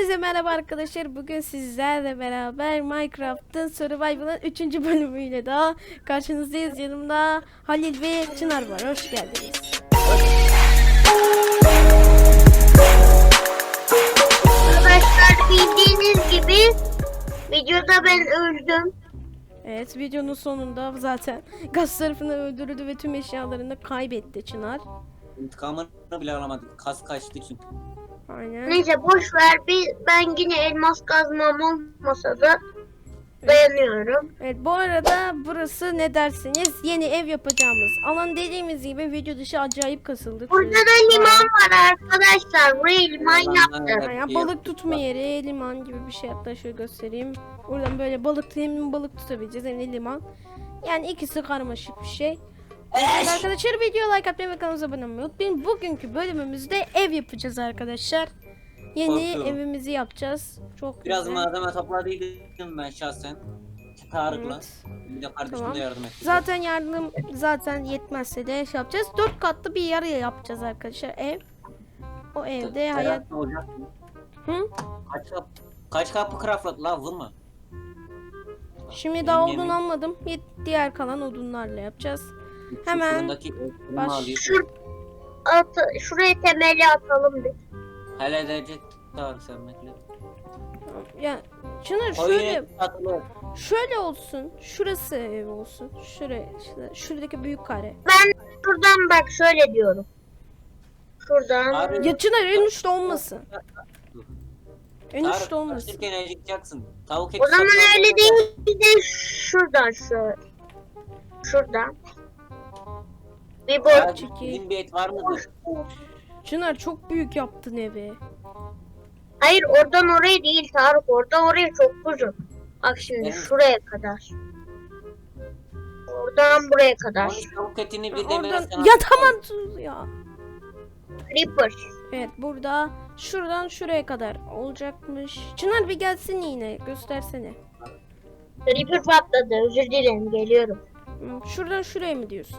Hepinize merhaba arkadaşlar. Bugün sizlerle beraber Minecraft'ın Survival'ın 3. bölümüyle daha karşınızdayız. Yanımda Halil ve Çınar var. Hoş geldiniz. Arkadaşlar bildiğiniz gibi videoda ben öldüm. Evet, videonun sonunda zaten gaz tarafını öldürdü ve tüm eşyalarını kaybetti Çınar. İntikamını bile alamadık. Kas kaçtı çünkü. Aynen. Neyse boş ver, ben yine elmas kazmam olmasa da dayanıyorum. Evet, bu arada burası ne dersiniz? Yeni ev yapacağımız alan, dediğimiz gibi video dışı acayip kasıldık. Burada da liman var arkadaşlar. Buraya liman yaptım. Yani balık tutma yeri, liman gibi bir şey, hatta şöyle göstereyim. Buradan böyle hem balık tutabileceğiz hem de liman. Yani ikisi karmaşık bir şey. Evet, arkadaşlar video like atmayı ve kanalımıza abone olmayı unutmayın. Bugünkü bölümümüzde ev yapacağız arkadaşlar. Yeni evimizi yapacağız. Çok Biraz güzel. malzeme topladıydım ben şahsen. Tarık'la. Evet. Bir de kardeşim Tamam. de yardım etti. Zaten yetmezse de şey yapacağız. 4 katlı bir yer yapacağız arkadaşlar ev. O evde hayat... Ne olacak? Hı? Kaç kapı craftladı lan, vurma. Şimdi daha Yenge odun mi? almadım. Diğer kalan odunlarla yapacağız. Hemen Fırındaki baş- alayım. Şuraya temeli atalım bir. Hele edecek Tarık sen bekle. ya Çınar O şöyle yine atılır. şöyle olsun. Şurası ev olsun. Şuradaki büyük kare. Ben şuradan bak şöyle diyorum. Şuradan. Abi, Ya Çınar en uçta olmasın. En uçta Tarık olmasın. taşırken acıkacaksın. Tavuk eti O zaman satın öyle al. değil de şuradan şöyle. Şuradan. Bir Ya, boy. Bizim bir et var mıdır? Çınar çok büyük yaptın evi. Hayır oradan oraya değil Tarık, oradan oraya çok uzun. Bak şimdi Evet. şuraya kadar. Oradan buraya kadar. Onun tavuk etini bir demire Oradan sen ya al. tamam sus ya. Creeper. Evet, burada şuradan şuraya kadar olacakmış. Çınar bir gelsin yine göstersene. Creeper patladı. Özür dilerim, geliyorum. Şuradan şuraya mı diyorsun?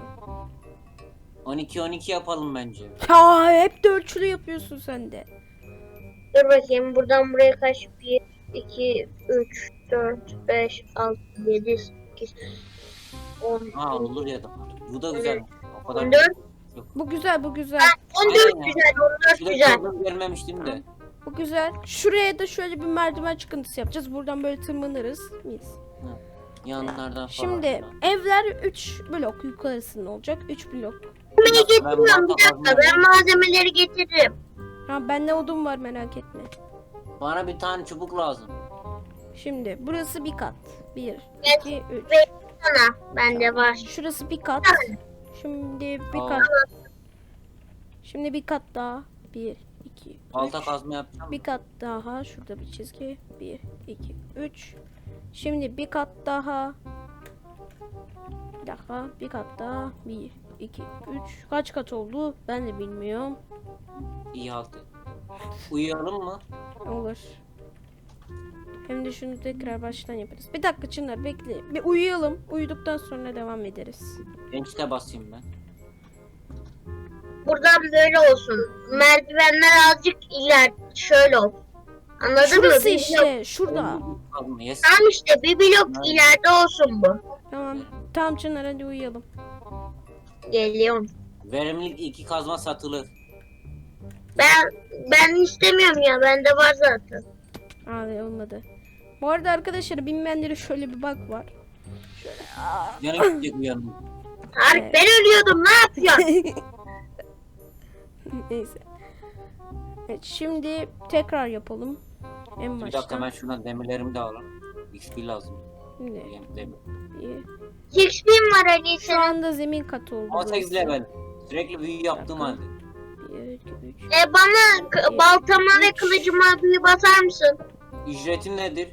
12 yapalım bence. Ya hep de ölçülü yapıyorsun sen de. Dur bakayım buradan buraya kaç? 1, 2, 3, 4, 5, 6, 7, 8, 10, Ha olur ya da. Bu da güzel. O kadar 14. Bu güzel, bu güzel. 14 Aynen ya. güzel, 14 Şurada güzel. problem görmemiştim de. Bu güzel. Şuraya da şöyle bir merdiven çıkıntısı yapacağız. Buradan böyle tırmanırız. Mis. Yanlardan falan. Şimdi evler 3 blok yukarısında olacak. 3 blok. Malzemeyi getiriyorum, bir dakika, ben malzemeleri getiririm. Ha, bende odun var, merak etme. Bana bir tane çubuk lazım. Şimdi burası bir kat. 1, 2, 3. Ve sana bende var. Şurası bir kat. Şimdi bir Aa. kat. Şimdi bir kat daha. 1, 2, Balta 3. kazma yapacağım. Bir kat daha. Şurada bir çizgi. 1, 2, 3. Şimdi bir kat daha. Bir dakika. Bir kat daha. 1, 2, 3. Kaç kat oldu? Ben de bilmiyorum. İyi halde. Uyuyalım mı? Olur. Hem de şunu tekrar baştan yaparız. Bir dakika Çınar bekle. Bir uyuyalım. Uyuduktan sonra devam ederiz. Ençte basayım ben. Buradan böyle olsun. Merdivenler azıcık iler şöyle olsun. Anladın Şurası mı? işte. Şurada. Kazma yes. Tamam işte bir blok ileride olsun bu. Tamam. Tamam Çınar, hadi uyuyalım. Geliyorum. Verimlilik 2 kazma satılır. Ben istemiyorum ya, bende var zaten. Abi olmadı. Bu arada arkadaşlar, bilmeyenlere şöyle bir bak var. Yanı gidecek uyanım. Tarık Evet. ben ölüyordum, ne yapıyorsun? Neyse. Evet, şimdi tekrar yapalım. En Bir dakika baştan. ben şuradan demirlerimi de alayım. XP lazım. Şimdi Demir. bir- Xp'm var Ali Şu senin. anda zemin katı oldu. 18 burası. level. Sürekli büyü yaptığım halde. 1, 2, 3. Bana baltama ve kılıcıma bir basar mısın? Ücretin nedir?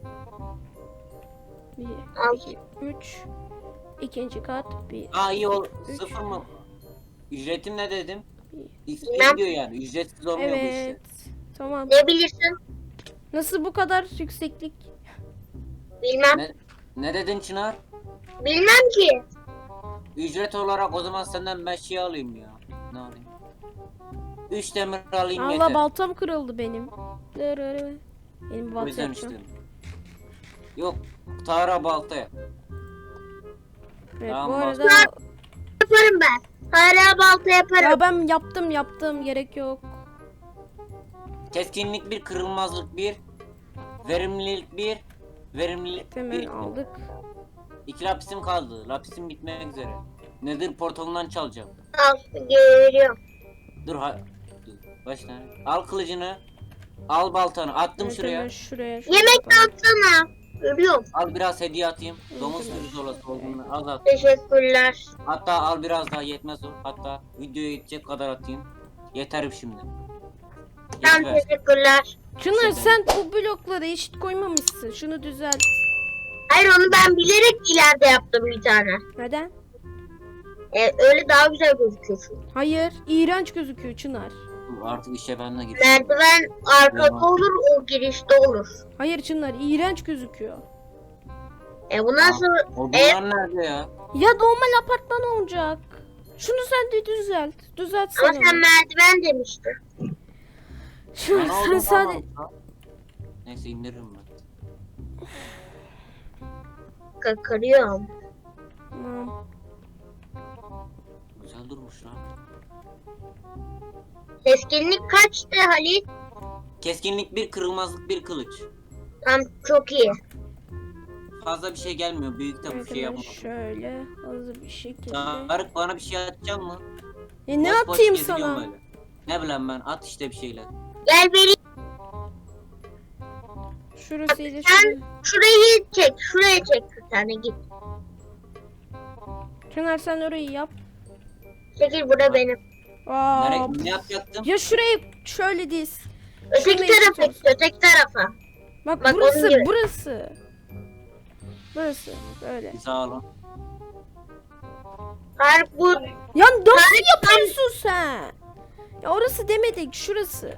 1, Al. 2, 3. İkinci kat. 1. Aa iyi ol. Üç. 0 mı? Ücretim ne dedim? XP Bilmem. diyor yani. Ücretsiz olmuyor bu işte. Evet. Tamam. Ne bilirsin? Nasıl bu kadar yükseklik? Bilmem. Ne dedin Çınar? Bilmem ki. Ücret olarak o zaman senden ben şey alayım ya. Ne alayım? 3 demir alayım Allah, yeter. baltam kırıldı benim. Dırırı. Benim O balta yüzden yapacağım. işte. Yok. Tara baltaya. Evet, Tamam, bu arada Yaparım ben. Hala balta yaparım. ya ben yaptım gerek yok. Keskinlik 1, kırılmazlık 1, verimlilik 1, verimlilik Hemen 1. aldık. 2 lapisim kaldı. Lapisim bitmek üzere. Nedir portalından çalacağım. Al geliyorum. Dur dur. Başla. Al kılıcını. Al baltanı. Attım Evet, şuraya. hemen şuraya. Yemek yapalım. atsana. Görüyorum. Al biraz hediye atayım. Evet, Domuz evet. pirzola olduğunu az at. Teşekkürler. Hatta al biraz daha, yetmez o. Hatta videoya yetecek kadar atayım. Yeterim şimdi. Tamam Yetiver. teşekkürler. Çınar sen bu blokları eşit koymamışsın. Şunu düzelt. Hayır onu ben bilerek ileride yaptım bir tane. Neden? Öyle daha güzel gözüküyor. Hayır. İğrenç gözüküyor Çınar. Artık işe ben de gireyim. Merdiven arkada olur, o girişte olur. Hayır Çınar. İğrenç gözüküyor. Bu nasıl? Odunlar nerede ya? Ya normal apartman olacak. Şunu sen de düzelt. Ama Düzeltsene. sen merdiven demiştin. Çınar Bana sen odun sadece... kalmadı. Neyse indiririm ben. Kırıyorum. Tamam. Güzel durmuş lan. Keskinlik kaçtı Halit? Keskinlik 1, kırılmazlık 1, kılıç. Tam çok iyi. Fazla bir şey gelmiyor. Büyük de bir Evet, şey hemen yapmam. şöyle hızlı bir şekilde. Tarık bana bir şey atacak mı? Ne Boş boş atayım geziniyorum sana? böyle. Ne bileyim ben, at işte bir şeyler. Gel vereyim. Şurasıyla Sen şurası. şurayı çek. Şuraya çek bir tane git. Çınar sen orayı yap. Çekil bura benim. Aa, Ne yapacaktım? ya şurayı şöyle diz. Öteki Şurayı tarafa tutuyoruz. git. Öteki tarafa. Bak, Bak, burası onun gibi. burası. Burası böyle. Sağ olun. Tarık bu. Ya nasıl yapıyorsun sen? Ya orası demedik, şurası.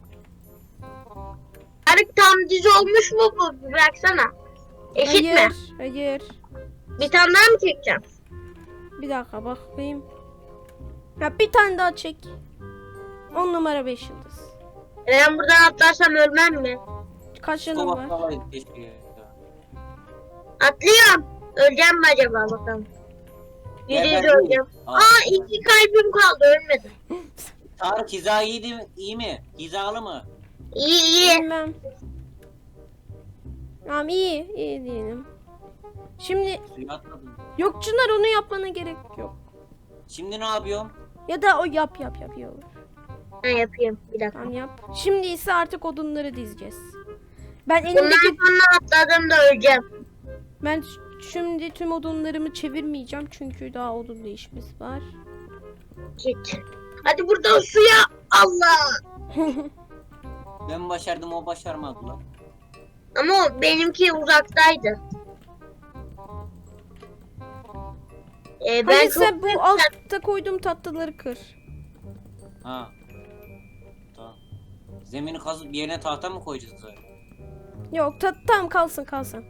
Tarık tam düz olmuş mu bu? Bir baksana. Eşit mi? Hayır, hayır. Bir tane daha mı çekeceğim? Bir dakika bakayım. Ya bir tane daha çek. 10 numara 5 yıldız. Ben buradan atlarsam ölmem mi? Kaç yanım Kova var? kovaydı keşke ya. Atlıyorum. Öleceğim mi acaba bakalım. Ya %100 ben öleceğim. Aa. Aa 2 kalbim kaldı ölmedim. Tarık hiza iyi mi? Hizalı mı? İyi iyi. Bilmem. Tamam, iyi diyelim. Şimdi Suya atladım. yok Çınar, onu yapmana gerek yok. Şimdi ne yapıyorum? Ya da o yap iyi olur. Ben yapayım bir dakika. Tamam yap. Şimdi ise artık odunları dizeceğiz. Ben Bundan elimdeki sonra atladığımda öleceğim. ben şimdi tüm odunlarımı çevirmeyeceğim çünkü daha odun değişmesi var. Git. Hadi buradan suya. Allah. Ben başardım, o başarmadı lan. Ama o benimki uzaktaydı. Ben Hayır çok sen bu altta koyduğum tatlıları kır. Ha. Tamam. Zemini kazıp yerine tahta mı koyacağız zaten? Yok tamam, kalsın.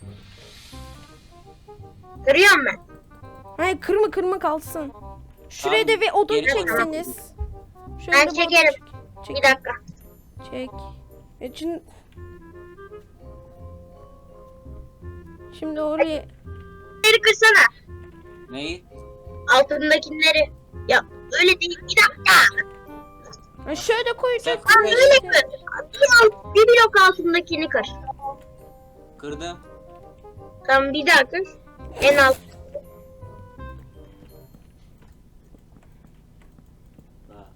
kırıyorum ben. Hayır kırma kalsın. Şuraya Tamam, da bir odun geri koyalım. çekseniz. Şöyle Ben de bir odun çekerim. çek. Bir dakika. Çek. Şimdi oraya Bunları kırsana. Neyi? Altındakileri. Ya öyle değil. Bir dakika. Ha, şöyle koyacak. Sen- Tam öyle kır. Bir blok altındakini kır. Kırdım. Tamam bir daha kır. En alt. Ha.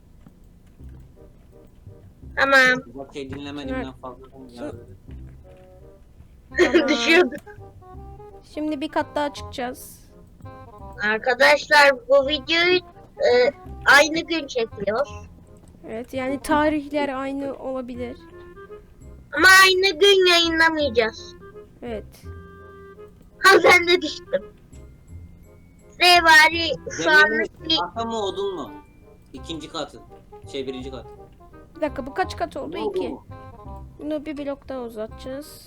Tamam. Bak şey dinlemediğimden fazla. Ya. Tamam. Düşüyordu. Şimdi bir kat daha çıkacağız. Arkadaşlar bu videoyu aynı gün çekiyor. Evet, yani tarihler aynı olabilir. Ama aynı gün yayınlamayacağız. Evet. Ha ben de düştüm. Size bari şu anlık bir Tahta mı odun mu? İkinci katı. Birinci kat. Bir dakika, bu kaç kat oldu? Ne oldu 2. bu? Bunu bir blok daha uzatacağız.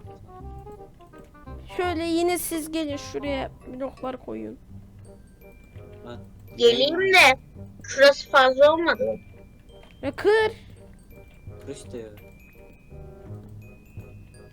Şöyle yine siz gelin şuraya bloklar koyun. Bak. geleyim de şurası fazla olmadı mı? Ya kır. Kır işte ya.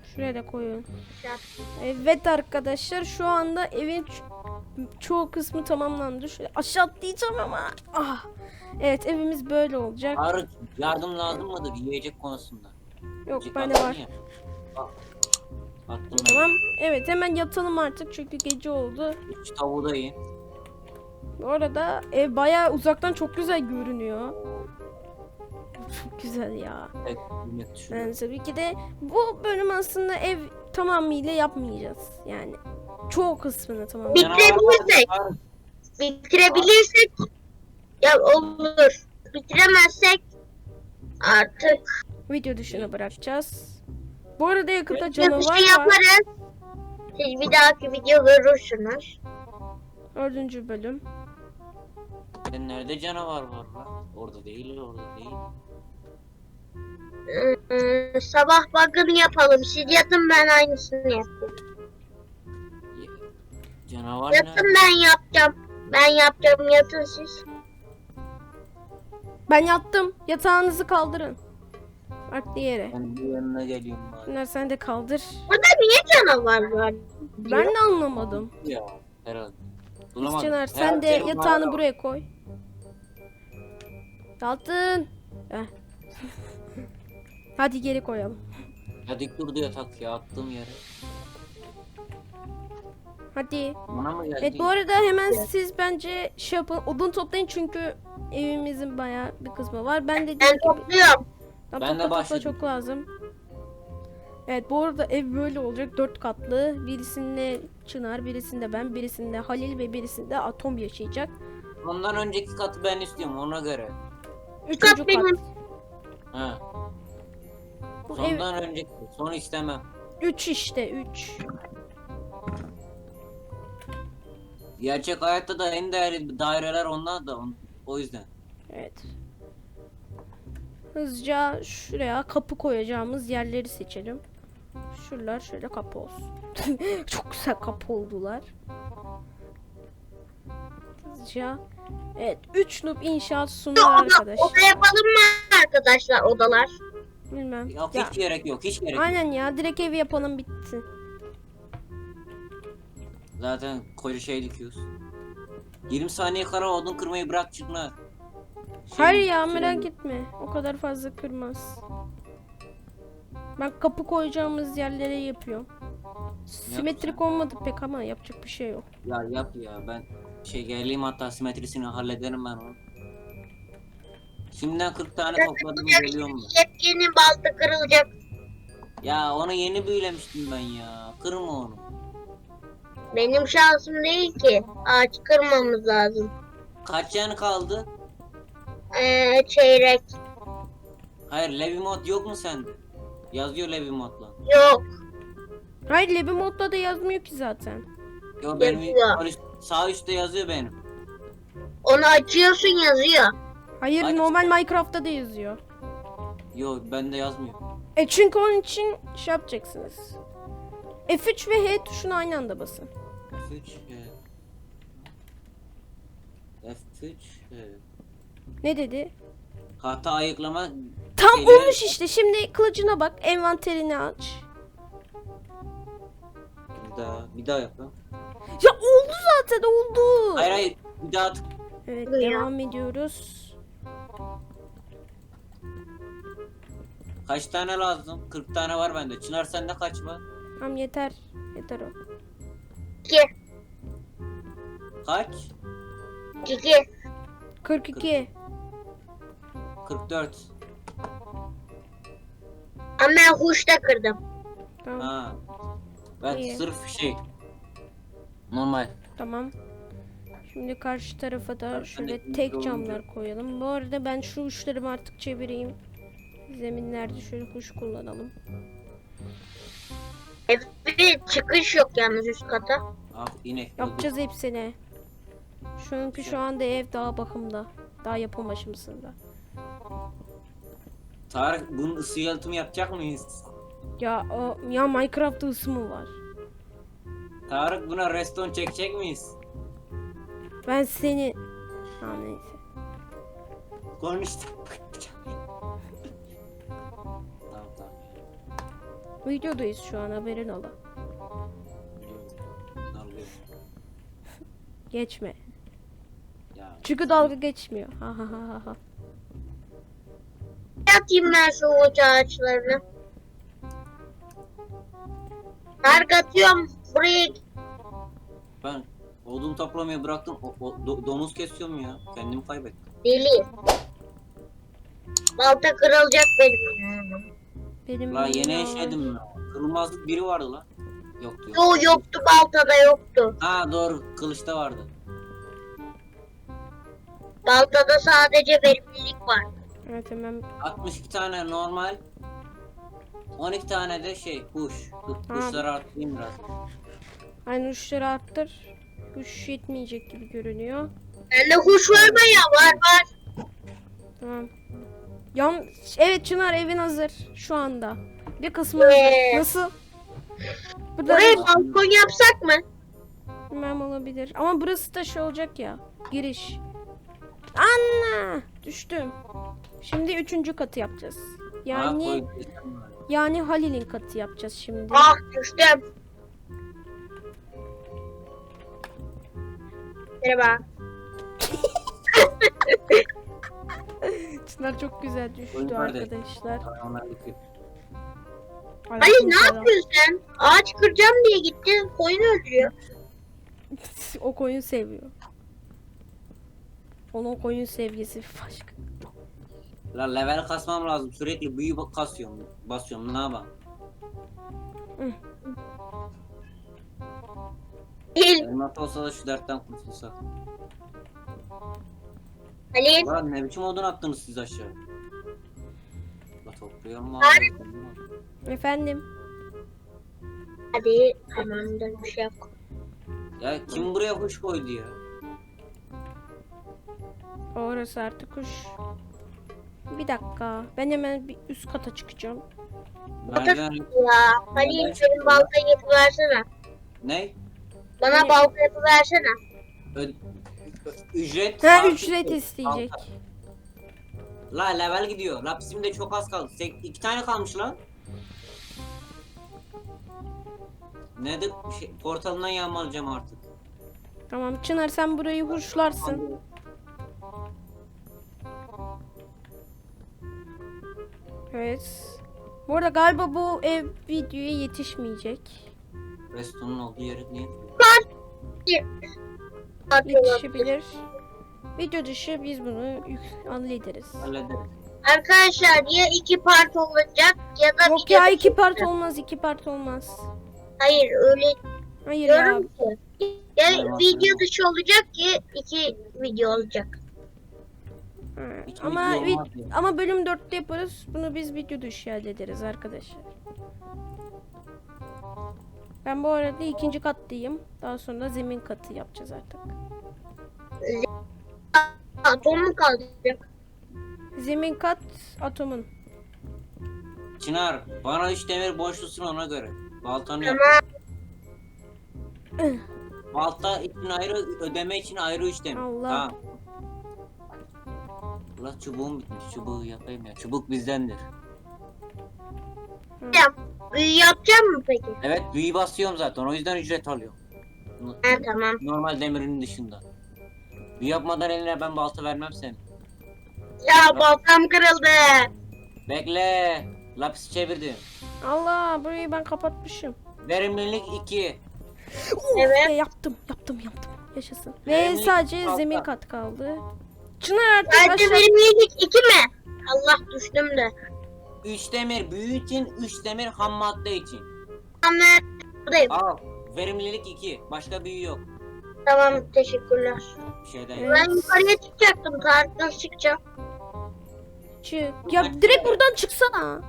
Şuraya da koyun. Evet arkadaşlar şu anda evin çoğu kısmı tamamlandı. Şöyle aşağı atlayacağım ama. Ah. Evet evimiz böyle olacak. Tarık yardım lazım mıdır yiyecek konusunda? Yok Yiyecek bende attın var. ya. Bak, attım ben. Tamam. Evet hemen yatalım artık çünkü gece oldu. 3 tavuğu da yiyin. Bu arada ev bayağı uzaktan çok güzel görünüyor. Çok güzel ya. Evet, millet düşünüyor. Yani tabii ki de bu bölüm aslında ev tamamıyla yapmayacağız. Yani çoğu kısmını tamamlayacağız. Bitirebilirsek. Bitirebilirsek ya olur. Bitiremezsek artık Video dışına bırakacağız. Bu arada yakında bir canavar şey var. yaparız. Siz bir dahaki video görürsünüz. 4. bölüm. Nerede canavar var lan? Orada değil, orada değil. Sabah bakın yapalım. Siz yatın ben aynısını yapayım. Canavar Yatın nerede? ben yapacağım. Ben yapacağım yatın siz. Ben yattım. Yatağınızı kaldırın. Farklı yere. Ben bir yanına geliyorum bari. Bunlar sen de kaldır. Burada niye canavar var? Ben de anlamadım. Ya herhalde. Bulamadım. Çınar sen Herhalde de benim yatağını mağara- buraya koy. Yattın. Heh. Hadi geri koyalım. Ya dik durdu yatak ya attığım yere. Hadi. Bana mı geldi? Evet bu arada hemen siz bence şey yapın. Odun toplayın çünkü evimizin bayağı bir kısmı var. Ben de Ben dediğim gibi topluyorum. Tam Ben de topla başladım. çok lazım. Evet bu arada ev böyle olacak. 4 katlı. Birisinde Çınar, birisinde ben, birisinde Halil ve birisinde Atom yaşayacak. Ondan önceki katı ben istiyorum ona göre. 3. Kat kat. benim. Ha. Bu ev Sondan önceki. Son istemem. 3 işte 3. Gerçek hayatta da en değerli daireler onlar da o yüzden. Evet. Hızlıca şuraya kapı koyacağımız yerleri seçelim. Şuralar şöyle kapı olsun. Çok güzel kapı oldular. Hızlıca. Evet 3 noob inşaat sunuyor arkadaş. Oda yapalım mı arkadaşlar odalar? Bilmem. Yok Ya, hiç gerek yok hiç gerek yok. aynen ya direkt evi yapalım bitsin. Zaten koca şey dikiyoruz. 20 saniye kara odun kırmayı bırak çıkma. Hayır ya merak etme. O kadar fazla kırmaz. Ben kapı koyacağımız yerlere yapıyorum. Simetrik olmadı pek ama yapacak bir şey yok. Ya yap ya ben geleyim hatta simetrisini hallederim ben onu. Şimdiden 40 tane topladım geliyorum ben. Yepyeni balta kırılacak. Ya onu yeni büyülemiştim ben ya. Kırma onu. Benim şansım değil ki. Ağaç kırmamız lazım. Kaç yanı kaldı? Çeyrek. Hayır Levi mod yok mu sende? Yazıyor Levi modla. Yok. Hayır Lebi modda da yazmıyor ki zaten. Yo benim Yazıyor. sağ üstte yazıyor benim. Onu açıyorsun yazıyor. Hayır Aç. normal Minecraft'ta da yazıyor. Yo bende yazmıyor. Çünkü onun için şey yapacaksınız. F3 ve H tuşuna aynı anda basın. F3 F3 Ne dedi? Hata ayıklama Tam şeyleri- olmuş işte. Şimdi kılıcına bak. Envanterini aç. bir daha yap lan. Ya oldu zaten oldu. Hayır bir daha tık. Evet Ya. devam ediyoruz. Kaç tane lazım? 40 tane var bende. Çınar sende kaç var? Tamam yeter. Yeter o. 2. Kaç? 2. 42. 44. Ama ben huşta kırdım. Tamam. Ha. Ben İyi. sırf normal. Tamam. Şimdi karşı tarafa da Ben şöyle de tek iyi camlar koyalım. Bu arada ben şu uçlarımı artık çevireyim. Zeminlerde şöyle kuş kullanalım. Evet çıkış yok yalnız üst kata. Ah inek. Yapacağız hepsini. Çünkü şu anda ev daha bakımda. Daha yapım aşamasında. Tarık bunun ısı yalıtımı yapacak mıyız? Ya Minecraft'ta ısı mı var? Tarık buna reston çekecek miyiz? Ben seni... Ha neyse. Konuştuk. Tamam tamam. Videodayız şu an, haberin ola. Darlıyorum. Geçme. Ya. Çünkü dalga geçmiyor. Ha ha ha ha ha. Atayım ben şu uç ağaçlarını. Tarık atıyorum. Buraya Ben odun toplamayı bıraktım. Domuz kesiyorum ya. Kendimi kaybettim. deli. Balta kırılacak benim ya. Benim La yeni ya. eşledim ya. Kırılmazlık biri vardı la. Yoktu. Yoktu, baltada yoktu. Ha doğru, kılıçta vardı. Baltada sadece verimlilik var. Evet hemen. 62 tane normal. 12 tane de kuş. Kuşları arttırayım biraz. Aynı uçları arttır. Kuş yetmeyecek gibi görünüyor. Bende kuş var mı ya? Var. Tamam. Evet Çınar, evin hazır şu anda. Bir kısmı hazır. Nasıl? Burada Buraya balkon yapsak mı? bilmem olabilir. Ama burası da şey olacak ya. Giriş. Anna! Düştüm. Şimdi 3. katı yapacağız. Yani Halil'in katı yapacağız şimdi. Ah düştüm. Merhaba. Çınar çok güzel düştü Oyun nerede? arkadaşlar. Halil ne yapıyorsun sen? Ağaç kıracağım diye gittin. Koyun öldürüyor. O koyun seviyor. Onun koyun sevgisi başka. La level kasmam lazım. Sürekli büyü kasıyorum. Basıyorum. Ne yapayım? Halil. Elmas olsa da şu dertten kurtulsak. Halil. Lan ne biçim odun attınız siz aşağı? La topluyorum lan. Efendim. Hadi tamamdır, bir şey yok. Ya kim buraya kuş koydu ya? Orası artık kuş. Bir dakika. Ben hemen bir üst kata çıkacağım. Merdiven... Ya Halil benim baltayı yapıversene. Ne? Bana balta yapıversene. Ücret... Ha artı- ücret isteyecek. La level gidiyor. La bizim de çok az kaldı. 2 tane kalmış lan. Nedir? Portalından yağmalayacağım artık. Tamam Çınar, sen burayı hurşlarsın. Evet. Bu arada galiba bu ev videoya yetişmeyecek. Restonun olduğu yeri niye? Yetişebilir. Video dışı biz bunu hallederiz. Hallederiz. Arkadaşlar ya 2 part olacak ya da Yok bir ya, de- 2 part olmaz, 2 part olmaz. Hayır öyle Hayır ya. diyorum ki. Ya Tamam, video tamam. dışı olacak ki 2 video olacak. Ha, Hiç Ama video olmaz ya. ama bölüm 4'te yaparız. Bunu biz video dışı hallederiz arkadaşlar. Ben bu arada 2. kattayım. Daha sonra zemin katı yapacağız artık. Atom mu kalacak? Zemin kat atomun. Çınar bana 3 demir borçlusun ona göre. Baltanı yap. Tamam. Balta için ayrı, ödeme için ayrı 3 demir. Allah. Tamam. Allah çubuğum bitmiş. Çubuğu yapayım ya. Çubuk bizdendir. Büyü yapacak mı peki? Evet büyü basıyorum zaten. O yüzden ücret alıyorum. Ha tamam. Normal demirin dışında. Büyü yapmadan eline ben balta vermem seni. Ya baltam kırıldı. Bekle. Lapis çevirdim. Allah, burayı ben kapatmışım. Verimlilik 2. Evet. Yaptım. Yaşasın. Ve Zemin sadece kaldı. zemin kat kaldı. Çınar artık Bence aşağı. benim yedik 2 mi? Allah düştüm de. 3 demir büyü için, 3 demir ham madde için. Tamam ben buradayım. Al. Verimlilik 2. Başka büyü yok. Tamam teşekkürler. Bir şeyden Evet. Ben yukarıya çıkacaktım. Tarık nasıl çıkacağım? Çık. Ya direkt buradan çıksana.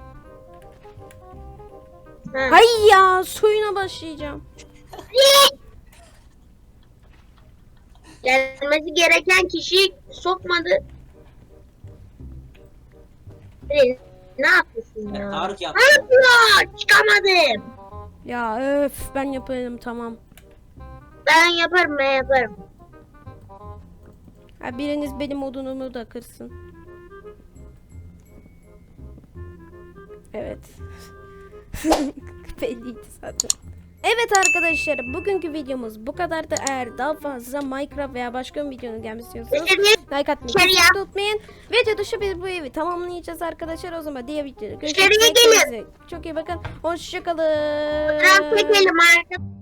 Ha. Hay ya, suyuna başlayacağım. Gelmesi gereken kişiyi sokmadı. Ne yapıyorsun ya? Tarık Ne yaptı. yapıyor? Çıkamadım. Ya öf, ben yaparım tamam. Ben yaparım. Ha, biriniz benim odunumu da kırsın. Evet. Belliydi zaten. Evet arkadaşlar, bugünkü videomuz bu kadardı. Eğer daha fazla Minecraft veya başka bir videonun gelmesi istiyorsanız like atmayı kesinlikle unutmayın. Video dışı biz bu evi tamamlayacağız arkadaşlar. O zaman diğer videoda görüşmek üzere. Çok iyi bakın. Hoşçakalın. Fotoğraf çekelim arkadaşlar.